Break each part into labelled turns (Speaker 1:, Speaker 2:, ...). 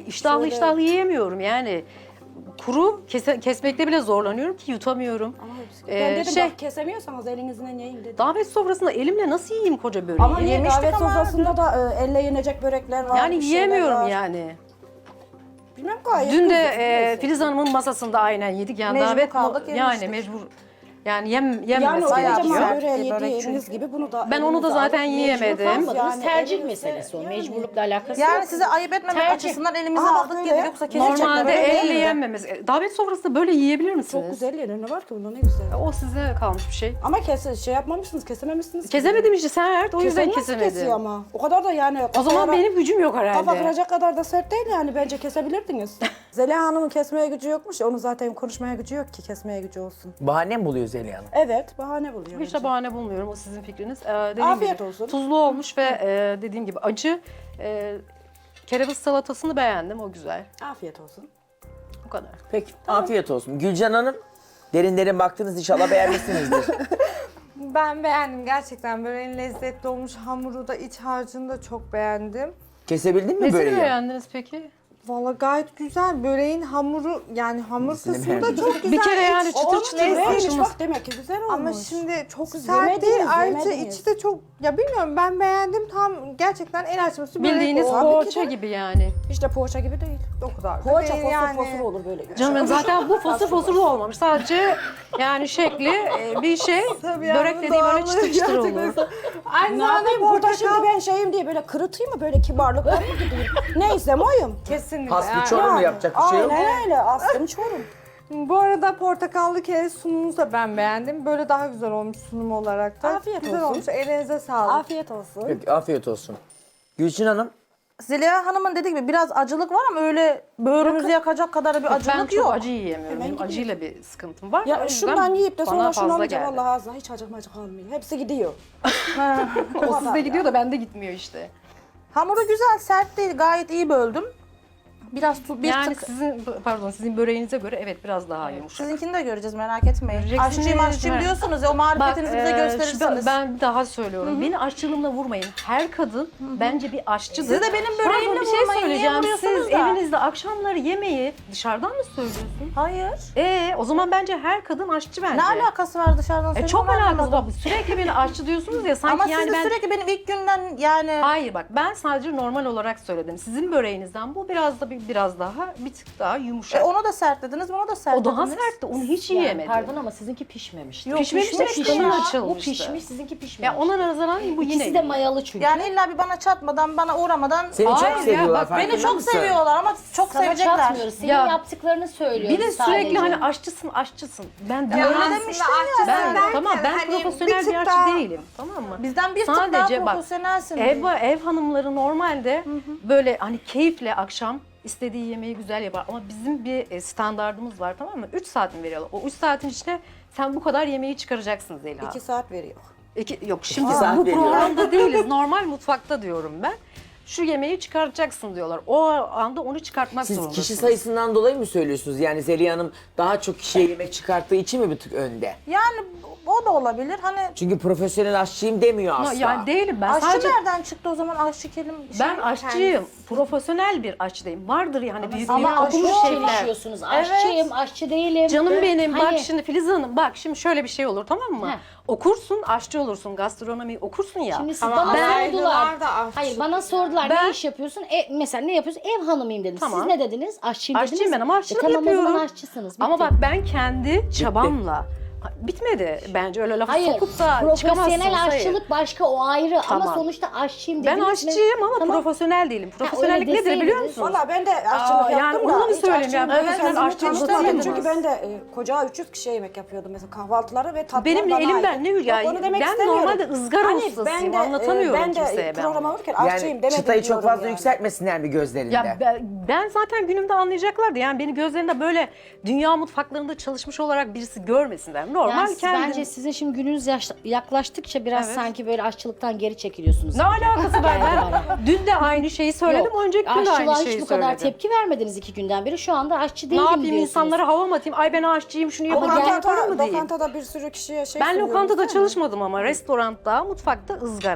Speaker 1: iştahlı iştahlı yiyemiyorum yani. Kuru kesmekte bile zorlanıyorum ki yutamıyorum.
Speaker 2: Ama ben dedim bak kesemiyorsanız elinizle yiyin dedim.
Speaker 1: Davet sofrasında elimle nasıl yiyeyim koca böreği?
Speaker 2: Ama niye davet sofrasında da elle yenecek börekler var.
Speaker 1: Yani
Speaker 2: bir şeyler
Speaker 1: yiyemiyorum
Speaker 2: var.
Speaker 1: yani.
Speaker 2: Bilmem gayet
Speaker 1: Dün de
Speaker 2: güzel.
Speaker 1: Filiz Hanım'ın masasında aynen yedik yani
Speaker 3: Mecbur
Speaker 1: davet
Speaker 3: kaldık,
Speaker 1: yani
Speaker 3: yemiştik.
Speaker 1: mecbur yani yenmemesi
Speaker 2: Yani o
Speaker 1: gerekiyor.
Speaker 2: kocaman böreği
Speaker 3: Bir börek
Speaker 2: yediğiniz gibi bunu da
Speaker 1: Ben onu da
Speaker 2: elinize
Speaker 1: zaten
Speaker 2: alıp
Speaker 1: yiyemedim.
Speaker 2: mecbur
Speaker 4: Kalmadınız.
Speaker 2: yani
Speaker 4: Tercih
Speaker 2: elinizde-
Speaker 4: meselesi o.
Speaker 2: yani.
Speaker 4: Mecburlukla alakası
Speaker 3: Yani
Speaker 4: yok.
Speaker 3: size ayıp etmemek
Speaker 4: Tercih.
Speaker 3: açısından elimize
Speaker 2: Aa,
Speaker 3: aldık
Speaker 2: öyle.
Speaker 3: yedik yoksa kesecek
Speaker 1: Normalde
Speaker 3: börek
Speaker 1: elle
Speaker 3: değildi.
Speaker 1: yenmemesi. Davet sofrasında böyle yiyebilir misiniz?
Speaker 2: Çok güzel yenir ne var ki bunda ne güzel.
Speaker 1: O size kalmış bir şey.
Speaker 2: Ama şey yapmamışsınız, kesememişsiniz. ki.
Speaker 1: Kesemedim işte Sert, o yüzden
Speaker 2: Kesen nasıl kesiyor
Speaker 1: kesemedim.
Speaker 2: ama? O kadar da yani...
Speaker 1: O zaman benim gücüm yok
Speaker 2: Kafa
Speaker 1: herhalde.
Speaker 2: kıracak kadar da sert değil yani. Bence kesebilirdiniz. Zeliha Hanım'ın kesmeye gücü yokmuş. Onun zaten konuşmaya gücü yok ki kesmeye gücü olsun.
Speaker 5: Bahane mi buluyor Zeliha Hanım?
Speaker 2: Evet, bahane buluyor.
Speaker 1: Hiç de bahane bulmuyorum, o sizin fikriniz. Dediğim
Speaker 2: Afiyet
Speaker 1: gibi,
Speaker 2: olsun.
Speaker 1: tuzlu olmuş ve dediğim gibi acı. Kereviz salatasını beğendim, o güzel.
Speaker 2: Afiyet olsun.
Speaker 1: O kadar.
Speaker 5: Peki afiyet olsun. Gülcan Hanım derin derin baktınız inşallah beğenmişsinizdir.
Speaker 6: Ben beğendim gerçekten. Böreğin lezzetli olmuş. Hamuru da iç harcını da çok beğendim.
Speaker 5: Kesebildin mi
Speaker 1: Nesini
Speaker 5: böreği?
Speaker 1: beğendiniz peki?
Speaker 6: Valla gayet güzel. Böreğin hamuru yani hamur
Speaker 5: Nesini
Speaker 6: kısmı da
Speaker 5: beğendin?
Speaker 6: çok güzel.
Speaker 1: Bir kere yani
Speaker 6: İç-
Speaker 1: çıtır
Speaker 6: o
Speaker 1: çıtır
Speaker 6: lezzet-
Speaker 1: açılmış.
Speaker 2: Neymiş bak demek ki güzel olmuş.
Speaker 6: Ama şimdi çok
Speaker 2: Siz
Speaker 6: sert
Speaker 2: yemediniz,
Speaker 6: değil. Ayrıca
Speaker 2: yemediniz.
Speaker 6: içi de çok ya bilmiyorum ben beğendim. Tam gerçekten el açması börek
Speaker 1: Bildiğiniz
Speaker 6: o.
Speaker 2: Tabii ki
Speaker 1: poğaça
Speaker 2: de.
Speaker 1: gibi yani.
Speaker 2: Hiç de poğaça gibi değil.
Speaker 6: O kadar da
Speaker 2: Poğaça
Speaker 6: değil
Speaker 2: fosur
Speaker 6: yani.
Speaker 2: fosur olur böyle.
Speaker 1: Canım zaten bu fosur fosur da olmamış. Sadece yani şekli bir şey.
Speaker 6: Tabii yani
Speaker 1: Börek
Speaker 6: bu
Speaker 1: dediğim böyle
Speaker 6: doğallığı
Speaker 1: çıtır çıtır
Speaker 6: gerçekten-
Speaker 1: olur.
Speaker 6: Aynı
Speaker 2: Ne
Speaker 6: zamanda
Speaker 2: yapayım burada şimdi
Speaker 6: portakal
Speaker 2: ben şeyim diye böyle kırıtayım mı böyle kibarlıkla mı gideyim? Neyse oyum.
Speaker 6: kesinlikle.
Speaker 5: Hasbi
Speaker 6: yani.
Speaker 5: çorum mu yapacak bir şey yok?
Speaker 2: Aynen öyle aslım çorum.
Speaker 6: Bu arada portakallı kere sunumunuzu da ben beğendim. Böyle daha güzel olmuş sunum olarak da.
Speaker 2: Afiyet
Speaker 6: güzel
Speaker 2: olsun.
Speaker 6: olmuş. Elinize sağlık.
Speaker 2: Afiyet olsun.
Speaker 5: Peki afiyet olsun. Gülçin Hanım
Speaker 3: Zeliha Hanım'ın dediği gibi biraz acılık var ama öyle böğrümüzü yakacak kadar bir
Speaker 1: Ben
Speaker 3: acılık
Speaker 1: çok
Speaker 3: yok.
Speaker 1: acı yiyemiyorum. Benim acıyla bir sıkıntım var. O
Speaker 2: Ya
Speaker 1: yüzden
Speaker 2: şundan yiyip de
Speaker 1: bana
Speaker 2: sonra şunu
Speaker 1: fazla
Speaker 2: alınca
Speaker 1: geldi.
Speaker 2: vallahi ağzına hiç acıkmacık kalmıyor. Hepsi gidiyor.
Speaker 1: O sizde gidiyor da bende gitmiyor işte.
Speaker 3: Hamuru güzel, sert değil. Gayet iyi böldüm. Biraz bir
Speaker 1: Yani
Speaker 3: tık.
Speaker 1: sizin böreğinize göre evet biraz daha yumuşak.
Speaker 3: Sizinkini de göreceğiz merak etmeyin.
Speaker 1: Göreceksiniz.
Speaker 3: Aşçıyım aşçıyım diyorsunuz ya o marifetinizi bize gösterirsiniz.
Speaker 1: Ben bir daha söylüyorum. Beni aşçılığımla vurmayın. Her kadın bence bir aşçıdır.
Speaker 3: Siz de benim böreğimle
Speaker 1: Pardon, bir şey
Speaker 3: vurmayın. Niye
Speaker 1: söyleyeceğim.
Speaker 3: vuruyorsunuz
Speaker 1: Siz
Speaker 3: da?
Speaker 1: evinizde akşamları yemeği dışarıdan mı söylüyorsun?
Speaker 3: Hayır.
Speaker 1: O zaman bence her kadın aşçı bence.
Speaker 3: Ne alakası var dışarıdan söyleyeyim?
Speaker 1: Çok
Speaker 3: onu anlamadım.
Speaker 1: alakası var. Sürekli beni aşçı diyorsunuz ya sanki
Speaker 3: Ama
Speaker 1: yani
Speaker 3: siz de
Speaker 1: ben...
Speaker 3: sürekli benim ilk günden yani...
Speaker 1: Hayır bak ben sadece normal olarak söyledim. Sizin böreğinizden bu biraz daha bir tık daha yumuşak.
Speaker 3: onu da sert dediniz, bunu da sert
Speaker 1: O daha
Speaker 3: dediniz.
Speaker 1: sertti. Onu hiç
Speaker 4: Yani
Speaker 1: yiyemedim.
Speaker 4: pardon ama sizinki pişmemişti.
Speaker 3: Yok,
Speaker 1: Pişmemiş de
Speaker 3: pişmiş
Speaker 1: kısmı
Speaker 3: ya.
Speaker 4: Bu
Speaker 1: açılmıştı.
Speaker 4: pişmiş, sizinki pişmemiş.
Speaker 1: Ya ona nazaran bu yine
Speaker 4: İkisi de
Speaker 1: iyi.
Speaker 4: mayalı çünkü.
Speaker 3: Yani illa bir bana çatmadan, bana uğramadan...
Speaker 5: seni
Speaker 1: Hayır
Speaker 5: çok
Speaker 1: ya,
Speaker 5: seviyorlar
Speaker 1: bak
Speaker 5: farkında
Speaker 3: Beni çok
Speaker 5: mısın?
Speaker 3: seviyorlar ama çok
Speaker 4: Sana
Speaker 3: sevecekler.
Speaker 4: çatmıyoruz. Senin
Speaker 1: Ya,
Speaker 4: yaptıklarını söylüyoruz
Speaker 1: Bir de
Speaker 4: sadece.
Speaker 1: sürekli hani aşçısın. Ben
Speaker 6: Ya
Speaker 1: diyorum
Speaker 3: öyle
Speaker 6: aslında
Speaker 3: demiştim
Speaker 6: aşçısı
Speaker 1: ben
Speaker 6: derken
Speaker 1: tamam ben
Speaker 6: hani
Speaker 1: profesyonel
Speaker 6: tık
Speaker 1: bir aşçı
Speaker 6: daha-
Speaker 1: değilim. Tamam mı?
Speaker 3: Bizden bir tık
Speaker 1: Sadece
Speaker 3: daha
Speaker 1: bak,
Speaker 3: profesyonelsin.
Speaker 1: Ev hanımları normalde böyle hani keyifle akşam istediği yemeği güzel yapar ama bizim bir standardımız var, tamam mı? 3 saat mi veriyorlar? O 3 saatin içinde sen bu kadar yemeği çıkaracaksın Zeliha.
Speaker 2: 2 saat veriyor.
Speaker 1: Yok şimdi
Speaker 5: İki saat
Speaker 1: bu
Speaker 5: veriyor.
Speaker 1: programda değiliz. Normal mutfakta diyorum ben. Şu yemeği çıkaracaksın diyorlar. O anda onu çıkartmak
Speaker 5: Siz
Speaker 1: zorundasınız.
Speaker 5: kişi sayısından dolayı mı söylüyorsunuz? Yani Zeliha Hanım daha çok kişiye yemek çıkarttığı için mi bir tık önde?
Speaker 3: Yani o da olabilir. Hani
Speaker 5: Çünkü profesyonel aşçıyım demiyor
Speaker 1: Ama
Speaker 5: asla.
Speaker 1: yani değilim ben
Speaker 3: aşçı
Speaker 1: sadece
Speaker 3: nereden çıktı o zaman aşçı kelim?
Speaker 1: ben aşçıyım. Profesyonel bir aşçıyım. Vardır yani büyük
Speaker 4: Ama
Speaker 1: büyük okumuş
Speaker 4: okumuş
Speaker 1: şefler.
Speaker 4: çalışıyorsunuz. Aşçıyım, aşçı değilim.
Speaker 1: Canım benim
Speaker 4: Hani-
Speaker 1: bak şimdi Filiz Hanım bak şimdi şöyle bir şey olur, tamam mı?
Speaker 4: Heh.
Speaker 1: Okursun, aşçı olursun, gastronomi okursun ya.
Speaker 4: Şimdi siz
Speaker 6: Ama
Speaker 4: bana
Speaker 6: adaylılar
Speaker 4: sordular.
Speaker 6: da aşçı.
Speaker 4: Hayır bana sordular
Speaker 1: Ben-
Speaker 4: ne iş yapıyorsun? Mesela ne yapıyorsun? Ev hanımıyım dedim.
Speaker 1: Tamam.
Speaker 4: Siz ne dediniz? Aşçıyım dediniz.
Speaker 1: Aşçıyım ben ama aşçılık
Speaker 4: tamam,
Speaker 1: yapıyorum.
Speaker 4: o zaman aşçısınız.
Speaker 1: Ama
Speaker 4: bitti.
Speaker 1: bak ben kendi çabamla bitmedi. Bence öyle lafı
Speaker 4: Hayır,
Speaker 1: sokup da çıkamazsınız.
Speaker 4: profesyonel
Speaker 1: hayır.
Speaker 4: aşçılık başka o ayrı ama
Speaker 1: Tamam.
Speaker 4: sonuçta aşçıyım
Speaker 1: Ben
Speaker 4: dediniz mi?
Speaker 1: aşçıyım ama
Speaker 4: Tamam.
Speaker 1: profesyonel değilim. Profesyonellik
Speaker 4: öyle
Speaker 1: nedir biliyor
Speaker 4: deseydiniz.
Speaker 1: musunuz?
Speaker 2: Valla ben de aşçılık
Speaker 1: yani
Speaker 2: yaptım
Speaker 1: onu
Speaker 2: da
Speaker 1: mu
Speaker 2: hiç
Speaker 1: söyleyeyim
Speaker 2: aşçılık
Speaker 1: yani? Profesyonel
Speaker 2: ben
Speaker 1: aşçılık
Speaker 2: tanıştırmadım.
Speaker 1: tanıştırmadım.
Speaker 2: Çünkü ben de koca 300 kişiye yemek yapıyordum mesela kahvaltıları ve tatlılar
Speaker 1: Benim
Speaker 2: bana
Speaker 1: elimden
Speaker 2: ait.
Speaker 1: ne
Speaker 2: Yok,
Speaker 1: hülya?
Speaker 2: onu demek
Speaker 1: Ben
Speaker 2: istemiyorum.
Speaker 1: normalde ızgara ustasıyım, anlatamıyorum
Speaker 2: ben de
Speaker 1: kimseye ben
Speaker 2: programa
Speaker 1: onu.
Speaker 2: vururken aşçıyım
Speaker 5: Yani
Speaker 2: demedim
Speaker 5: çıtayı çok
Speaker 2: diyorum
Speaker 5: fazla
Speaker 2: yani.
Speaker 5: yükseltmesinler mi gözlerinde?
Speaker 1: Ya ben zaten günümde anlayacaklardı. Yani beni gözlerinde böyle dünya mutfaklarında çalışmış olarak birisi görmesinler. Normal
Speaker 4: Yani
Speaker 1: kendim.
Speaker 4: bence sizin şimdi gününüz yaklaştıkça biraz
Speaker 1: Evet.
Speaker 4: sanki böyle aşçılıktan geri çekiliyorsunuz.
Speaker 1: Ne alakası var?
Speaker 4: Geldi
Speaker 1: Ben
Speaker 4: bana.
Speaker 1: dün de aynı şeyi söyledim,
Speaker 4: Yok,
Speaker 1: önceki gün de aynı
Speaker 4: aşçılığa
Speaker 1: şeyi
Speaker 4: hiç bu kadar
Speaker 1: söyledim.
Speaker 4: tepki vermediniz 2 günden beri. Şu anda aşçı
Speaker 1: Ne
Speaker 4: değilim
Speaker 1: yapayım,
Speaker 4: diyorsunuz.
Speaker 1: insanlara hava mı atayım? Ay ben aşçıyım, şunu
Speaker 4: Ama
Speaker 1: yaparım, bunu
Speaker 4: gel-
Speaker 1: yaparım mı diyeyim?
Speaker 2: Lokantada bir sürü kişiye şey
Speaker 1: Ben
Speaker 2: sunuyoruz,
Speaker 1: lokantada
Speaker 2: değil mi?
Speaker 1: çalışmadım ama restoranda, mutfakta ızgara.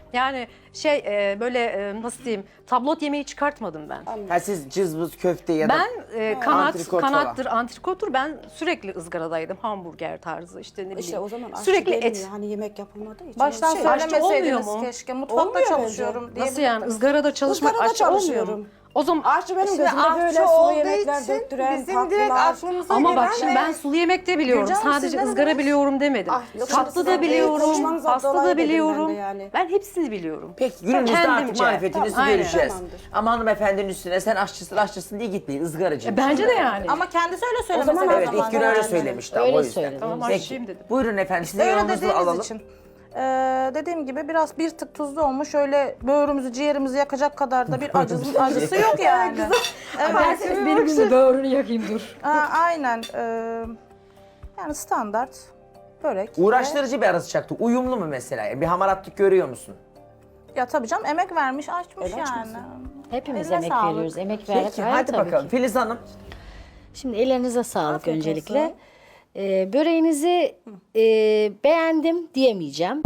Speaker 1: Yani nasıl diyeyim, tablot yemeği çıkartmadım ben.
Speaker 5: Ha, siz cızbız köfte ya da
Speaker 1: Ben
Speaker 5: antrikot
Speaker 1: kanattır, antrikotur. Ben sürekli ızgaradaydım. Hamburger tarzı işte ne bileyim.
Speaker 2: İşte o zaman aşçı
Speaker 1: sürekli
Speaker 2: gelmiyor.
Speaker 1: et.
Speaker 2: Hani yemek yapılmadığı için.
Speaker 3: Baştan
Speaker 2: şey,
Speaker 1: aşçı
Speaker 3: söylemeseydiniz
Speaker 1: olmuyor mu?
Speaker 3: keşke. Mutfakta
Speaker 2: Olmuyor bence.
Speaker 3: çalışıyorum
Speaker 1: Nasıl
Speaker 3: diyebilirdiniz.
Speaker 1: yani ızgarada çalışmak
Speaker 2: Izgarada
Speaker 1: aşçı olmuyor mu?
Speaker 2: çalışıyorum.
Speaker 1: O zaman
Speaker 2: Aşçı benim
Speaker 6: Şimdi
Speaker 2: gözümde böyle
Speaker 6: aşçı
Speaker 2: sulu
Speaker 6: olduğu
Speaker 2: yemekler
Speaker 6: için
Speaker 2: döktüren,
Speaker 6: bizim direkt
Speaker 2: tatlılar.
Speaker 6: aklımıza
Speaker 1: ama
Speaker 6: gelen
Speaker 1: bak şimdi ben sulu yemek de biliyorum.
Speaker 3: Gülcan Hanım,
Speaker 1: Sadece
Speaker 3: siz ne
Speaker 1: ızgara
Speaker 3: dediniz?
Speaker 1: biliyorum demedim.
Speaker 2: yok,
Speaker 1: Tatlı
Speaker 2: şimdi
Speaker 1: da
Speaker 2: siz
Speaker 1: biliyorum,
Speaker 2: konuşmanızdan
Speaker 1: pasta
Speaker 2: dolayı
Speaker 1: da
Speaker 2: dedim ben de
Speaker 1: biliyorum.
Speaker 2: yani.
Speaker 1: Ben hepsini biliyorum.
Speaker 5: Peki günümüzde artık
Speaker 1: Kendimce.
Speaker 5: marifetinizi
Speaker 1: Tamam, aynen.
Speaker 5: göreceğiz.
Speaker 2: Tamamdır.
Speaker 5: Ama hanımefendinin üstüne sen aşçısın diye gitmeyin, ızgaracı.
Speaker 1: Bence de yani.
Speaker 3: Ama kendisi öyle
Speaker 2: zaman
Speaker 3: söylemesi
Speaker 5: Evet,
Speaker 3: lazım.
Speaker 5: ilk gün öyle söylemişti ama
Speaker 4: Öyle
Speaker 5: o yüzden.
Speaker 4: söyledi.
Speaker 1: Tamam,
Speaker 5: Peki,
Speaker 1: aşçıyım dedim.
Speaker 5: buyurun efendim, size
Speaker 3: Öyle
Speaker 5: yorumunuzu
Speaker 3: dediğiniz
Speaker 5: alalım.
Speaker 3: için. Dediğim gibi biraz bir tık tuzlu olmuş. Öyle böğrümüzü, ciğerimizi yakacak kadar da bir acısı yok yani. Evet.
Speaker 1: Benim gibi böğrünü yakayım dur.
Speaker 3: Aynen. Yani standart börek.
Speaker 5: Uğraştırıcı bir ara sıcaktı. Uyumlu mu mesela? Yani bir hamaratlık görüyor musun?
Speaker 3: Ya tabii canım emek vermiş, açmış yani.
Speaker 4: Hepimiz
Speaker 3: Eline
Speaker 4: emek
Speaker 3: sağlık.
Speaker 4: veriyoruz. Emek vererek.
Speaker 5: Peki
Speaker 4: hayır,
Speaker 5: hadi
Speaker 4: tabii
Speaker 5: bakalım.
Speaker 4: ki.
Speaker 5: Filiz Hanım.
Speaker 4: Şimdi ellerinize sağlık
Speaker 3: Afiyet
Speaker 4: öncelikle.
Speaker 3: olsun.
Speaker 4: Böreğinizi beğendim diyemeyeceğim.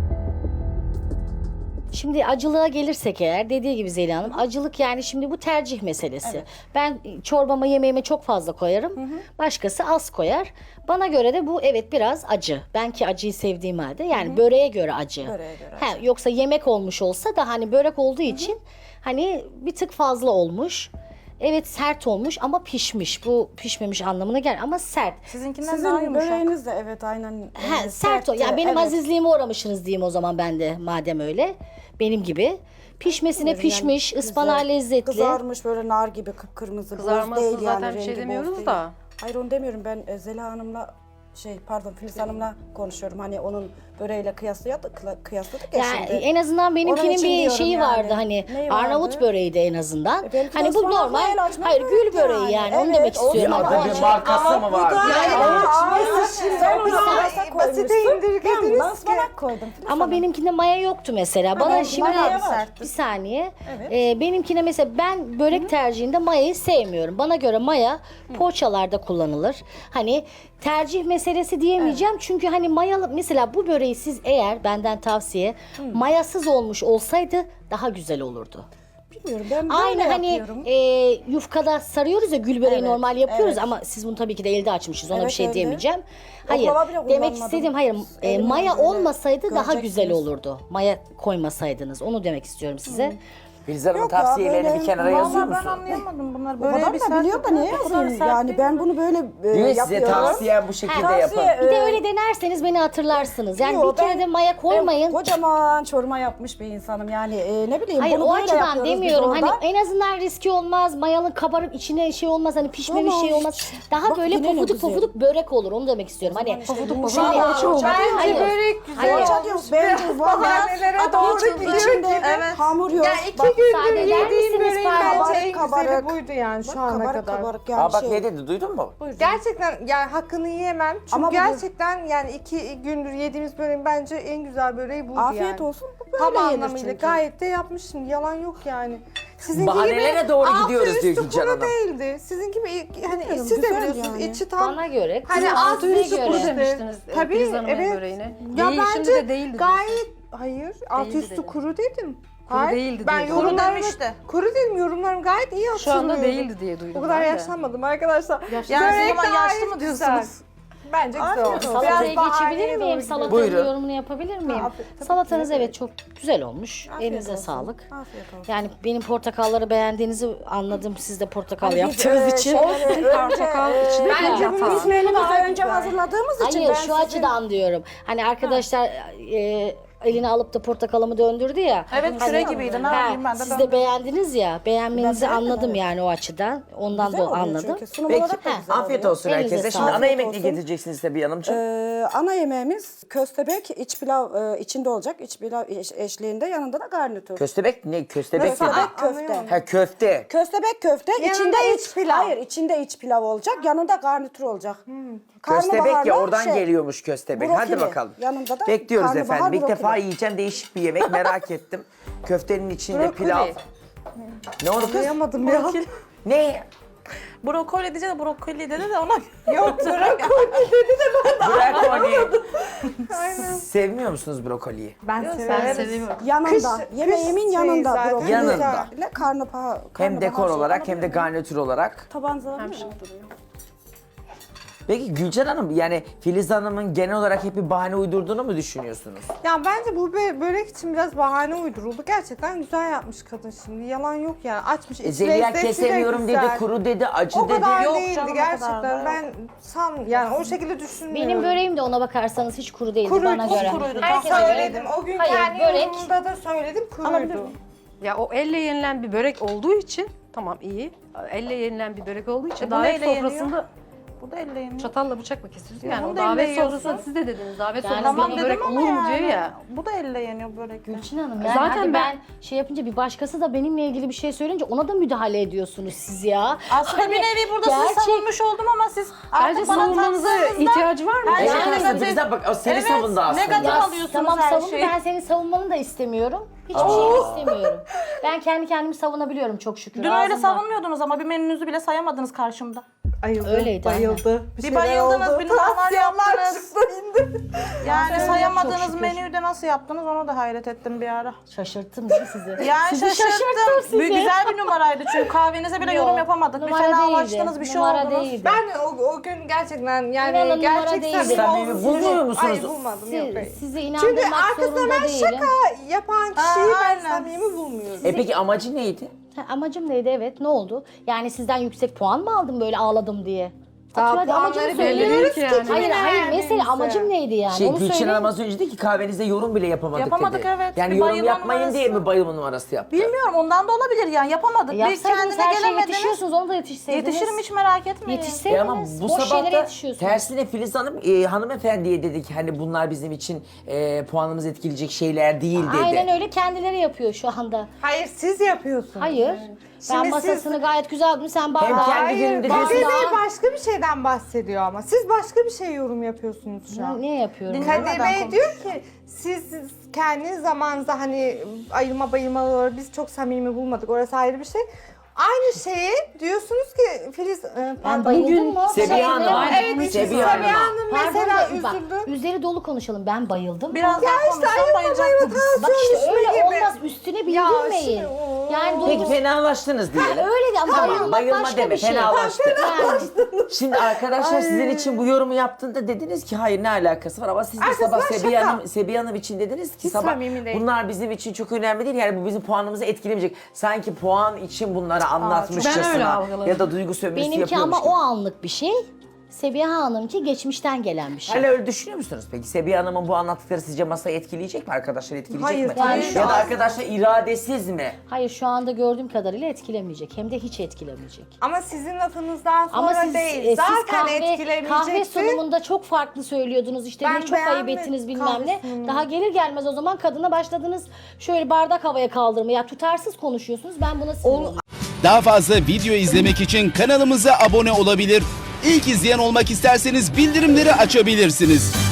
Speaker 4: Şimdi acılığa gelirsek eğer, dediği gibi Zeliha Hanım, acılık yani şimdi bu tercih meselesi. Ben çorbama, yemeğime çok fazla koyarım. Başkası az koyar. Bana göre de bu evet biraz acı. Ben ki acıyı sevdiğim halde yani böreğe göre acı.
Speaker 2: Böreğe göre
Speaker 4: Yoksa yemek olmuş olsa da hani börek olduğu için hani bir tık fazla olmuş. Evet sert olmuş ama pişmiş. Bu pişmemiş anlamına gel ama sert.
Speaker 3: Sizinkinden daha
Speaker 2: Sizin
Speaker 3: yumuşak.
Speaker 2: böreğiniz de evet aynen.
Speaker 4: Sert o.
Speaker 2: sertti.
Speaker 4: Yani benim
Speaker 2: Evet.
Speaker 4: azizliğime uğramışsınız diyeyim o zaman ben de madem öyle. Benim gibi. Pişmesine
Speaker 2: Yani
Speaker 4: pişmiş, ıspanağı
Speaker 2: güzel,
Speaker 4: lezzetli.
Speaker 2: Kızarmış böyle nar gibi kıpkırmızı. boz
Speaker 1: Kızarmasını
Speaker 2: değil yani,
Speaker 1: zaten bir şey
Speaker 2: rengi boz
Speaker 1: demiyoruz
Speaker 2: değil.
Speaker 1: da.
Speaker 2: Hayır onu demiyorum ben Zeliha Hanım'la Filiz Hanım'la konuşuyorum. Hani onun böreğiyle kıyasladık ya
Speaker 4: Yani
Speaker 2: şimdi.
Speaker 4: en azından
Speaker 2: Onun
Speaker 4: benimkinin
Speaker 2: için
Speaker 4: bir
Speaker 2: diyorum
Speaker 4: şeyi
Speaker 2: yani.
Speaker 4: vardı hani
Speaker 2: Neyi
Speaker 4: Arnavut
Speaker 2: vardı?
Speaker 4: böreği de en azından.
Speaker 2: Benimki de
Speaker 4: Hani bu
Speaker 2: ıspanaklı
Speaker 4: normal.
Speaker 2: el açma
Speaker 4: Hayır
Speaker 2: börek
Speaker 4: gül böreği yani. Onu
Speaker 2: Evet,
Speaker 4: demek
Speaker 2: o
Speaker 4: istiyorum.
Speaker 2: zaman
Speaker 4: Ama
Speaker 5: Adı bir markası mı var?
Speaker 2: Sen onu basite
Speaker 6: basite indirgediniz
Speaker 2: Ben ıspanak koydum. Filiz
Speaker 4: Ama
Speaker 2: Hanım.
Speaker 4: benimkinde maya yoktu mesela. Bana
Speaker 2: ben-
Speaker 4: şimdi
Speaker 2: maya var.
Speaker 4: bir saniye.
Speaker 2: Evet.
Speaker 4: Benimkine mesela ben börek tercihinde mayayı sevmiyorum. Bana göre maya poğaçalarda kullanılır. Hani tercih meselesi diyemeyeceğim. Çünkü hani mayalı mesela bu böreği siz eğer benden tavsiye mayasız olmuş olsaydı daha güzel olurdu.
Speaker 2: Bilmiyorum ben böyle
Speaker 4: Aynı hani
Speaker 2: yapıyorum.
Speaker 4: yufkada sarıyoruz ya gül böreği
Speaker 2: Evet,
Speaker 4: normal yapıyoruz
Speaker 2: evet.
Speaker 4: ama siz bunu tabii ki de elde açmışız ona
Speaker 2: Evet,
Speaker 4: bir şey
Speaker 2: elde.
Speaker 4: diyemeyeceğim. Hayır
Speaker 2: Oklava bile
Speaker 4: demek
Speaker 2: kullanmadım.
Speaker 4: istediğim hayır
Speaker 2: Elimle
Speaker 4: maya
Speaker 2: böyle
Speaker 4: olmasaydı daha güzel
Speaker 2: göreceksiniz.
Speaker 4: olurdu. Maya koymasaydınız onu demek istiyorum size.
Speaker 5: Filiz Hanım'ın
Speaker 2: Yok ya,
Speaker 5: tavsiyelerini
Speaker 2: böyle-
Speaker 5: bir kenara yazıyor
Speaker 3: Vallahi ben
Speaker 5: musun?
Speaker 3: anlayamadım bunlar.
Speaker 2: O
Speaker 3: Böyle
Speaker 2: kadar
Speaker 3: bir
Speaker 2: da
Speaker 3: sert
Speaker 2: biliyor da niye
Speaker 3: o kadar
Speaker 2: yazayım?
Speaker 3: sert
Speaker 2: Yani
Speaker 3: değil
Speaker 2: ben
Speaker 3: mi?
Speaker 2: bunu böyle
Speaker 5: Diyor size
Speaker 2: yapıyorum.
Speaker 5: tavsiyem bu şekilde
Speaker 2: Tavsiye,
Speaker 5: yapın.
Speaker 4: Bir de öyle denerseniz beni hatırlarsınız. Yani
Speaker 2: Yo,
Speaker 4: bir kere
Speaker 2: ben-
Speaker 4: de maya koymayın.
Speaker 2: Kocaman çorba yapmış bir insanım yani ne bileyim
Speaker 4: Hayır
Speaker 2: bunu
Speaker 4: o
Speaker 2: böyle
Speaker 4: açıdan
Speaker 2: yapıyoruz biz
Speaker 4: demiyorum. Hani
Speaker 2: orada.
Speaker 4: en azından riski olmaz. Mayalı kabarıp içine şey olmaz. Hani pişmemiş
Speaker 2: Tamam.
Speaker 4: şey olmaz. Daha
Speaker 2: Bak
Speaker 4: böyle
Speaker 2: yine ne
Speaker 4: pofuduk
Speaker 2: güzel.
Speaker 4: pofuduk börek olur. Onu demek istiyorum. Hani
Speaker 2: Pofuduk
Speaker 4: Şimdi-
Speaker 6: Bence
Speaker 4: Hayır.
Speaker 6: börek güzel
Speaker 4: Hayır.
Speaker 2: Poğaça diyor, bence valla
Speaker 6: bahanelere doğru gidiyor
Speaker 2: içinde
Speaker 6: ki.
Speaker 2: hamur yok.
Speaker 6: Ya
Speaker 2: Bak,
Speaker 6: iki gündür
Speaker 4: müsaade eder
Speaker 6: yediğim
Speaker 4: misiniz?
Speaker 6: böreğin
Speaker 4: Pardon.
Speaker 6: bence en
Speaker 2: Kabarık,
Speaker 6: güzeli
Speaker 2: kabarık.
Speaker 6: buydu yani şu ana
Speaker 2: kabarık
Speaker 6: kadar.
Speaker 2: kabarık yani
Speaker 5: Aa bak
Speaker 2: şey.
Speaker 5: ne dedi duydun mu?
Speaker 6: Gerçekten yani hakkını yiyemem. Çünkü
Speaker 2: Ama bu-
Speaker 6: gerçekten yani 2 gündür yediğimiz böreğin bence en güzel böreği buydu yani.
Speaker 2: Afiyet olsun bu böyle
Speaker 6: Tam
Speaker 2: yenir
Speaker 6: anlamıyla
Speaker 2: çünkü.
Speaker 6: gayet de yapmışsın. Yalan yok yani. Sizinki
Speaker 5: Bahanelere
Speaker 6: gibi
Speaker 5: doğru
Speaker 6: altı
Speaker 5: gidiyoruz
Speaker 6: üstü
Speaker 5: diyor Gülcan
Speaker 6: kuru
Speaker 5: Hanım.
Speaker 6: değildi. Sizin gibi hani
Speaker 2: Bilmiyorum,
Speaker 6: siz de
Speaker 2: güzel
Speaker 6: biliyorsunuz
Speaker 2: yani.
Speaker 6: içi tam
Speaker 4: Bana göre
Speaker 6: hani
Speaker 4: kızın
Speaker 6: alt
Speaker 4: altına
Speaker 6: üstü
Speaker 4: göre.
Speaker 6: kuru
Speaker 1: demiştiniz
Speaker 6: Tabii
Speaker 1: Filiz Hanım'ın
Speaker 6: evet.
Speaker 1: böreğine.
Speaker 6: Ya
Speaker 1: Değişimde
Speaker 6: bence
Speaker 1: de değildi.
Speaker 6: gayet hayır alt
Speaker 1: Değildi
Speaker 6: üstü
Speaker 1: dedim.
Speaker 6: kuru dedim.
Speaker 1: Kuru
Speaker 6: Hayır,
Speaker 1: değildi
Speaker 6: ben
Speaker 1: diye
Speaker 3: Kuru
Speaker 6: yorumlarımı
Speaker 3: demişti.
Speaker 6: kuru dedim yorumlarım gayet iyi
Speaker 1: Şu
Speaker 6: hatırlıyorum.
Speaker 1: anda değildi diye duydum.
Speaker 6: O kadar
Speaker 1: ben de.
Speaker 6: yaşlanmadım arkadaşlar.
Speaker 3: Yani
Speaker 6: Börek
Speaker 3: ama
Speaker 6: gayet
Speaker 3: yaşlı mı
Speaker 6: güzel.
Speaker 3: diyorsunuz?
Speaker 6: Bence güzel olmuş.
Speaker 4: Salataya
Speaker 6: Biraz bahaneye
Speaker 4: geçebilir
Speaker 6: doğru
Speaker 4: miyim?
Speaker 6: gidiyor.
Speaker 4: Salatanın
Speaker 5: Buyurun.
Speaker 4: yorumunu yapabilir miyim?
Speaker 2: tabii
Speaker 4: Salatanız
Speaker 2: ki.
Speaker 4: evet çok güzel olmuş.
Speaker 2: Afiyet
Speaker 4: Elinize
Speaker 2: olsun.
Speaker 4: sağlık.
Speaker 2: Afiyet olsun.
Speaker 4: Yani benim portakalları beğendiğinizi anladım. Siz de portakal
Speaker 2: Biz,
Speaker 4: yaptığınız için.
Speaker 1: Portakal içinde
Speaker 6: Bence
Speaker 1: bir
Speaker 6: bunun
Speaker 1: hata.
Speaker 6: ismini
Speaker 2: Menümüzü
Speaker 6: daha
Speaker 2: önce
Speaker 6: güzel.
Speaker 2: hazırladığımız için
Speaker 4: Hayır
Speaker 2: ben
Speaker 4: şu
Speaker 2: sizin...
Speaker 4: açıdan diyorum. Hani arkadaşlar eline alıp da portakalımı döndürdü ya.
Speaker 3: Evet küre gibiydi. Ne
Speaker 4: Ha,
Speaker 3: yapayım ben de
Speaker 4: siz de beğendiniz ya. Beğenmenizi
Speaker 2: Ben beğendim,
Speaker 4: anladım
Speaker 2: evet.
Speaker 4: yani o açıdan. Ondan
Speaker 2: Güzel
Speaker 4: da
Speaker 2: oluyor
Speaker 4: anladım.
Speaker 2: çünkü. Sunum
Speaker 5: Peki
Speaker 2: olarak da güzel
Speaker 5: afiyet
Speaker 2: oluyor.
Speaker 5: olsun
Speaker 4: Elinize
Speaker 5: herkese. Şimdi
Speaker 4: sağlık.
Speaker 5: ana yemek ne
Speaker 2: Olsun.
Speaker 5: getireceksiniz tabii hanımcığım?
Speaker 2: Ana yemeğimiz köstebek, iç pilav içinde olacak. İç pilav eşliğinde yanında da garnitür.
Speaker 5: Köstebek ne? Köstebek mi?
Speaker 2: Köstebek köfte.
Speaker 5: Ha köfte.
Speaker 2: Köstebek köfte,
Speaker 6: Yanında
Speaker 2: içinde
Speaker 6: iç pilav.
Speaker 2: Hayır, içinde iç pilav olacak, yanında garnitür olacak.
Speaker 5: Köstebek ya
Speaker 2: Karnabaharla
Speaker 5: oradan geliyormuş köstebek. Hadi
Speaker 2: brokoli.
Speaker 5: bakalım.
Speaker 2: Yanında da
Speaker 5: Bekliyoruz
Speaker 2: karnabahar
Speaker 5: efendim. İlk
Speaker 2: brokoli.
Speaker 5: defa yiyeceğim değişik bir yemek merak ettim. Köftenin içinde
Speaker 6: Brokoli.
Speaker 5: pilav. Ne oldu kız?
Speaker 6: Anlayamadım ya.
Speaker 5: Ne?
Speaker 3: Brokoli diyeceğim de brokoli dedi de ona
Speaker 6: Yok brokoli dedi de
Speaker 5: Brokoli. Sevmiyor musunuz brokoliyi?
Speaker 6: ben
Speaker 1: Ben
Speaker 6: severim.
Speaker 1: seviyorum.
Speaker 2: Yanında.
Speaker 6: Kış-
Speaker 2: Yemeğimin
Speaker 6: kış şeyi
Speaker 2: yanında.
Speaker 6: zaten.
Speaker 2: brokoli.
Speaker 5: Yanında.
Speaker 2: Ile karnabahar.
Speaker 5: Hem dekor olarak hem de garnitür olarak.
Speaker 2: Tabağınıza alabilir
Speaker 1: Hem
Speaker 2: miyim?
Speaker 1: şık duruyor.
Speaker 5: Peki Gülcan Hanım yani Filiz Hanım'ın genel olarak hep bir bahane uydurduğunu mu düşünüyorsunuz?
Speaker 6: Ya bence bu börek için biraz bahane uyduruldu. Gerçekten güzel yapmış kadın şimdi. Yalan yok yani. Açmış iç
Speaker 5: Zeliha
Speaker 6: lezzeti de
Speaker 5: kesemiyorum dedi,
Speaker 6: güzel.
Speaker 5: kuru dedi, acı
Speaker 6: O
Speaker 5: dedi.
Speaker 6: kadar
Speaker 3: Yok
Speaker 6: değildi
Speaker 3: canım, o kadar
Speaker 6: gerçekten.
Speaker 3: da.
Speaker 6: Ben yani o şekilde düşünmüyorum.
Speaker 4: Benim böreğim de ona bakarsanız hiç kuru değildi
Speaker 6: Kuruydu,
Speaker 4: bana göre.
Speaker 3: kuruydu.
Speaker 6: Ben
Speaker 3: Herkese
Speaker 6: söyledim. O gün
Speaker 4: Hayır,
Speaker 6: kendi
Speaker 4: börek-
Speaker 6: yorumumda da söyledim kuruydu.
Speaker 1: Ya o elle yenilen bir börek olduğu için tamam iyi. Elle yenilen bir börek olduğu için
Speaker 3: bu
Speaker 1: davet
Speaker 3: neyle yeniyor?
Speaker 1: sofrasında
Speaker 3: Bu da elle yeniyor.
Speaker 1: çatalla bıçakla kesiyorsun. Yani
Speaker 3: bunu
Speaker 1: o
Speaker 3: da elle
Speaker 1: davet
Speaker 3: yiyorsun.
Speaker 1: sofrasında siz de dediniz. Davet
Speaker 4: Yani
Speaker 1: sofrasında
Speaker 3: Tamam
Speaker 1: bir
Speaker 3: dedim
Speaker 1: börek
Speaker 3: ama
Speaker 1: olur mu
Speaker 3: yani.
Speaker 1: diyor ya.
Speaker 3: Bu da elle yeniyor börek.
Speaker 4: Gülçin Hanım yani
Speaker 1: Zaten
Speaker 4: hadi
Speaker 1: ben-
Speaker 4: ben şey yapınca bir başkası da benimle ilgili bir şey söyleyince ona da müdahale ediyorsunuz siz ya.
Speaker 3: Aslında
Speaker 4: Hani
Speaker 3: bir nevi burada sizi
Speaker 4: gerçek-
Speaker 3: savunmuş oldum ama siz
Speaker 1: Bence
Speaker 3: artık bana
Speaker 1: savunmanıza
Speaker 3: taktığınızda
Speaker 1: ihtiyacı var mı?
Speaker 3: her
Speaker 5: Evet,
Speaker 3: şey
Speaker 5: aslında
Speaker 3: negatif.
Speaker 5: bize bak, o seni savundu aslında.
Speaker 3: negatif
Speaker 4: Ya
Speaker 3: alıyorsunuz
Speaker 4: tamam
Speaker 3: her
Speaker 4: savun,
Speaker 3: şeyi.
Speaker 4: ben senin savunmanı da istemiyorum. Hiçbir şeyini istemiyorum. Ben kendi kendimi savunabiliyorum çok şükür.
Speaker 3: Dün öyle
Speaker 4: Ağzımda.
Speaker 3: savunmuyordunuz ama bir menünüzü bile sayamadınız karşımda.
Speaker 6: Ayıldı,
Speaker 4: Öyleydi,
Speaker 6: bayıldı.
Speaker 3: Bir
Speaker 6: şeyler
Speaker 3: bayıldınız,
Speaker 6: oldu.
Speaker 3: bir numaralar
Speaker 6: Tansiyonlar
Speaker 3: yaptınız.
Speaker 6: çıktı indi.
Speaker 3: Yani
Speaker 4: çok
Speaker 3: sayamadığınız
Speaker 4: şükür.
Speaker 3: menüyü de nasıl yaptınız ona da hayret ettim bir ara.
Speaker 4: Şaşırttım değil mi sizi?
Speaker 3: Yani
Speaker 4: Sizi
Speaker 3: şaşırttım.
Speaker 4: sizi.
Speaker 3: Bir güzel bir numaraydı çünkü kahvenize bile
Speaker 4: Yok,
Speaker 3: yorum yapamadık. Bir
Speaker 4: numara
Speaker 3: fenalaştınız,
Speaker 4: değildi,
Speaker 3: bir şey
Speaker 4: numara
Speaker 3: oldunuz.
Speaker 4: değildi.
Speaker 6: Ben o gün gerçekten yani
Speaker 4: İnanın numara
Speaker 6: gerçek
Speaker 4: değildi.
Speaker 5: Samimi
Speaker 6: olsun
Speaker 5: bulmuyor
Speaker 6: sizi-
Speaker 5: musunuz?
Speaker 6: Hayır bulmadım yok. hayır.
Speaker 4: Sizi
Speaker 6: Çünkü
Speaker 4: inandırmak
Speaker 6: arkasında
Speaker 4: zorunda
Speaker 6: ben
Speaker 4: değilim.
Speaker 6: şaka yapan kişiyi ben
Speaker 3: aynen.
Speaker 6: samimi bulmuyorum.
Speaker 5: Peki amacı neydi?
Speaker 4: Ha, amacım neydi evet ne oldu? Yani sizden yüksek puan mı aldım böyle ağladım diye?
Speaker 6: Daha
Speaker 4: Atıyor, hadi amacını
Speaker 6: puanları
Speaker 4: söyle.
Speaker 6: belli değil ki yani.
Speaker 4: Hayır hayır
Speaker 6: verdiğinizi.
Speaker 4: mesele amacım neydi yani?
Speaker 5: Şey
Speaker 4: Onu
Speaker 5: Gülçin
Speaker 4: söyle.
Speaker 5: Hanım az önce dedi ki kahvenize yorum bile yapamadık,
Speaker 3: Yapamadık,
Speaker 5: dedi.
Speaker 3: evet.
Speaker 5: Yani
Speaker 3: Bir
Speaker 5: yorum
Speaker 3: bayılma
Speaker 5: yapmayın
Speaker 3: numarası.
Speaker 5: diye mi bayılma numarası yaptı?
Speaker 3: Bilmiyorum ondan da olabilir yani yapamadık. Bir
Speaker 4: Yapsaydınız
Speaker 3: kendine
Speaker 4: her şeye
Speaker 3: gelemediniz.
Speaker 4: yetişiyorsunuz onu da yetişseydiniz.
Speaker 3: Yetişirim hiç merak etmeyin.
Speaker 4: Yetişseydiniz.
Speaker 5: Ama bu
Speaker 4: boş
Speaker 5: sabah
Speaker 4: şeylere
Speaker 5: da
Speaker 4: yetişiyorsunuz.
Speaker 5: tersine Filiz Hanım hanımefendiye dedi ki hani bunlar bizim için puanımızı etkileyecek şeyler değil dedi.
Speaker 4: Aynen öyle kendileri yapıyor şu anda.
Speaker 6: Hayır siz yapıyorsunuz.
Speaker 4: Hayır. Ben
Speaker 6: Şimdi
Speaker 4: masasını gayet güzel yaptım. Sen bak.
Speaker 5: Hem kendi
Speaker 6: Hayır,
Speaker 5: gününde
Speaker 6: Kadir
Speaker 5: diyorsun.
Speaker 6: Bey başka bir şeyden bahsediyor ama. Siz başka bir şey yorum yapıyorsunuz şu an.
Speaker 4: Ne yapıyorum?
Speaker 3: Dinle-
Speaker 6: Kadir Bey diyor ki siz kendi zamanınızda hani ayırma bayılmaları biz çok samimi bulmadık. Orası ayrı bir şey. Aynı şeyi diyorsunuz ki Filiz
Speaker 4: Ben bayıldım mı?
Speaker 5: Sebiha Hanım.
Speaker 4: Aynen.
Speaker 6: Evet işte
Speaker 5: Sebiha
Speaker 6: Sabiha
Speaker 5: Hanım'a.
Speaker 6: Hanım
Speaker 4: Pardon
Speaker 6: mesela
Speaker 4: da, bak,
Speaker 6: üzüldü.
Speaker 4: üzeri dolu konuşalım. Ben bayıldım.
Speaker 3: Biraz daha konuşsam bayılacaktınız.
Speaker 4: Bak işte öyle
Speaker 6: gibi.
Speaker 4: olmaz. Üstüne
Speaker 6: Ya
Speaker 4: bildirmeyin.
Speaker 6: şimdi o-
Speaker 4: Yani
Speaker 5: Peki
Speaker 4: dolu.
Speaker 5: fenalaştınız diyelim.
Speaker 4: Öyle de ama
Speaker 5: Tamam,
Speaker 4: bayılmak
Speaker 5: bayılma
Speaker 4: başka
Speaker 5: deme,
Speaker 4: bir şey.
Speaker 5: fenalaştı.
Speaker 4: Yani.
Speaker 5: Şimdi arkadaşlar sizin için bu yorumu yaptığında dediniz ki hayır ne alakası var ama siz de
Speaker 6: Arkasından
Speaker 5: sabah Sebiha Hanım için dediniz ki
Speaker 6: Hiç
Speaker 5: sabah
Speaker 6: samimi değil.
Speaker 5: bunlar bizim için çok önemli değil yani bu bizim puanımızı etkilemeyecek. Sanki puan için bunları
Speaker 1: ben öyle
Speaker 5: anlatmışçasına
Speaker 1: algıladım.
Speaker 5: ya da duygu sömürüsü
Speaker 4: Benimki
Speaker 5: yapıyormuş
Speaker 4: ama
Speaker 5: gibi.
Speaker 4: o anlık bir şey. Sebiha Hanım'ki geçmişten gelen bir şey.
Speaker 5: Hala öyle düşünüyor musunuz peki? Sebiha Hanım'ın bu anlattıkları sizce masayı etkileyecek mi? Arkadaşlar etkileyecek
Speaker 6: Hayır,
Speaker 5: mi?
Speaker 6: tabii.
Speaker 5: Ya da arkadaşlar iradesiz mi?
Speaker 4: Hayır şu anda gördüğüm kadarıyla etkilemeyecek. Hem de hiç etkilemeyecek.
Speaker 6: Ama sizin lafınızdan sonra
Speaker 4: Ama siz,
Speaker 6: değil.
Speaker 4: siz
Speaker 6: Zaten
Speaker 4: kahve
Speaker 6: etkilemeyecekti.
Speaker 4: sunumunda çok farklı söylüyordunuz. İşte
Speaker 6: Ben
Speaker 4: ne çok ayıp
Speaker 6: beğenmedim
Speaker 4: ettiniz bilmem
Speaker 6: kahve
Speaker 4: ne.
Speaker 6: sunumunu.
Speaker 4: Daha gelir gelmez o zaman kadına başladınız şöyle bardak havaya kaldırmaya. Ya tutarsız konuşuyorsunuz. Ben buna sinir oluyorum.
Speaker 7: Daha fazla video izlemek için kanalımıza abone olabilir. İlk izleyen olmak isterseniz bildirimleri açabilirsiniz.